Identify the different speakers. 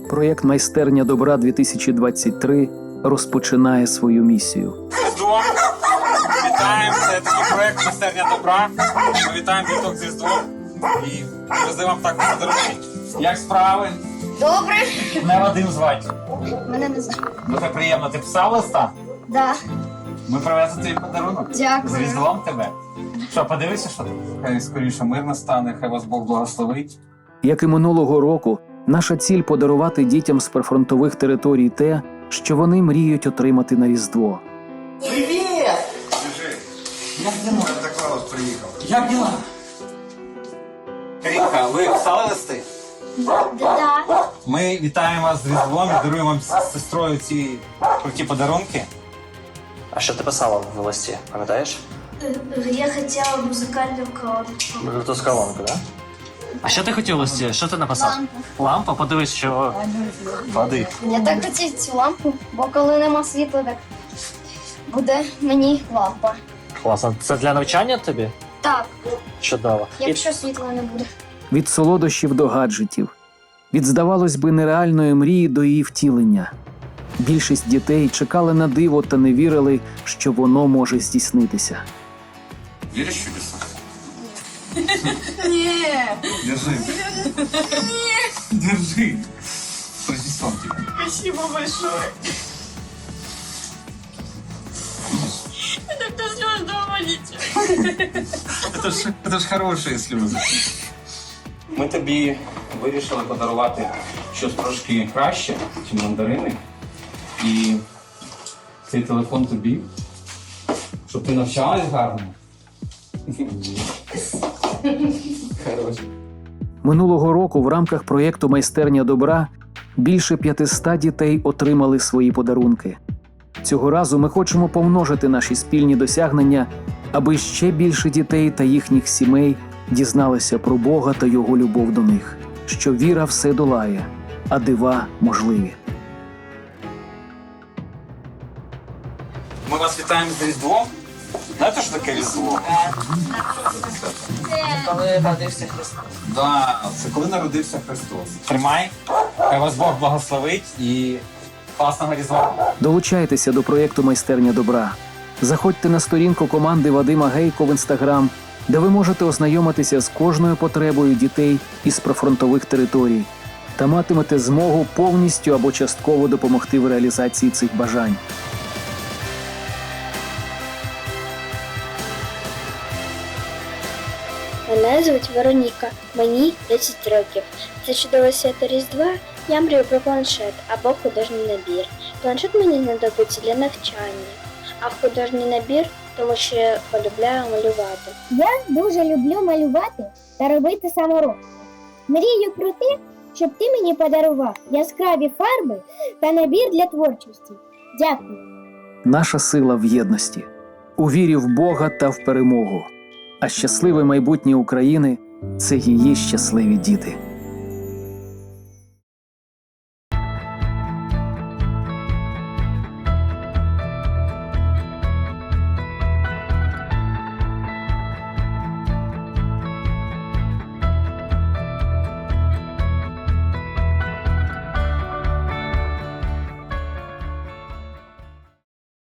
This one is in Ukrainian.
Speaker 1: Проєкт «Майстерня добра-2023» розпочинає свою місію.
Speaker 2: Різдво! Вітаємо! Це такий проєкт «Майстерня добра». Ми вітаємо діток з Різдвом і везли вам також подарунки. Як справи?
Speaker 3: Добре.
Speaker 2: Мене Вадим звати.
Speaker 3: Мене не знаю.
Speaker 2: Дуже приємно. Ти писав листа?
Speaker 3: Да.
Speaker 2: Ми привезли тобі подарунок.
Speaker 3: Дякую.
Speaker 2: З Різдвом тебе. Що, подивися, що тут? Хай скоріше мир настане, хай вас Бог благословить.
Speaker 1: Як і минулого року, наша ціль – подарувати дітям з прифронтових територій те, що вони мріють отримати на Різдво.
Speaker 2: Привіт!
Speaker 4: Скажи,
Speaker 2: Як діла?
Speaker 4: Санта Клаус приїхав.
Speaker 2: Як діла? Карінка, ви писали листи?
Speaker 3: Да.
Speaker 2: Ми вітаємо вас з Різдвом і даруємо вам з сестрою ці круті подарунки.
Speaker 5: А що ти писала в листі, пам'ятаєш?
Speaker 3: Я хотела музыкальную колоночку.
Speaker 5: Bluetooth колонку, да? А що ти хотів в листі? Що ти написав? Лампа? Подивись, що води.
Speaker 3: Я так хотів цю лампу, бо коли нема світла, так буде мені лампа.
Speaker 5: Класно. Це для навчання тобі?
Speaker 3: Так,
Speaker 5: Чудово.
Speaker 3: якщо світла не буде.
Speaker 1: Від солодощів до гаджетів. Від, здавалось би, нереальної мрії до її втілення. Більшість дітей чекали на диво та не вірили, що воно може здійснитися.
Speaker 4: Віриш в чудеса?
Speaker 3: Ні.
Speaker 4: Держи. Держи. С Рождеством тебя.
Speaker 3: Спасибо большое. Это слез дома
Speaker 4: Это ж хорошие слезы.
Speaker 2: Ми тобі вирішили подарувати щось трошки краще, ніж мандарини. І цей телефон тобі, щоб ти навчалась гарно. Хороше.
Speaker 1: Минулого року в рамках проєкту «Майстерня добра» більше 500 дітей отримали свої подарунки. Цього разу ми хочемо помножити наші спільні досягнення, аби ще більше дітей та їхніх сімей дізналися про Бога та Його любов до них, що віра все долає, а дива можливі.
Speaker 2: Ми вас вітаємо з Різдвом. Знаєте, що таке Різдво?
Speaker 6: Коли народився Христос.
Speaker 2: Да, це коли народився Христос. Тримай, хай вас Бог благословить і класного Різдва.
Speaker 1: Долучайтеся до проєкту «Майстерня добра». Заходьте на сторінку команди Вадима Гейко в Інстаграм, де ви можете ознайомитися з кожною потребою дітей із прифронтових територій та матимете змогу повністю або частково допомогти в реалізації цих бажань.
Speaker 7: Мене звуть Вероніка, мені 10 років. Це чудове свято Різдва, я мрію про планшет або художній набір. Планшет мені знадобиться для навчання, а художній набір, тому що я полюбляю малювати.
Speaker 8: Я дуже люблю малювати та робити саморобки. Мрію про те, щоб ти мені подарував яскраві фарби та набір для творчості. Дякую.
Speaker 1: Наша сила в єдності, у вірі в Бога та в перемогу. А щасливе майбутнє України – це її щасливі діти.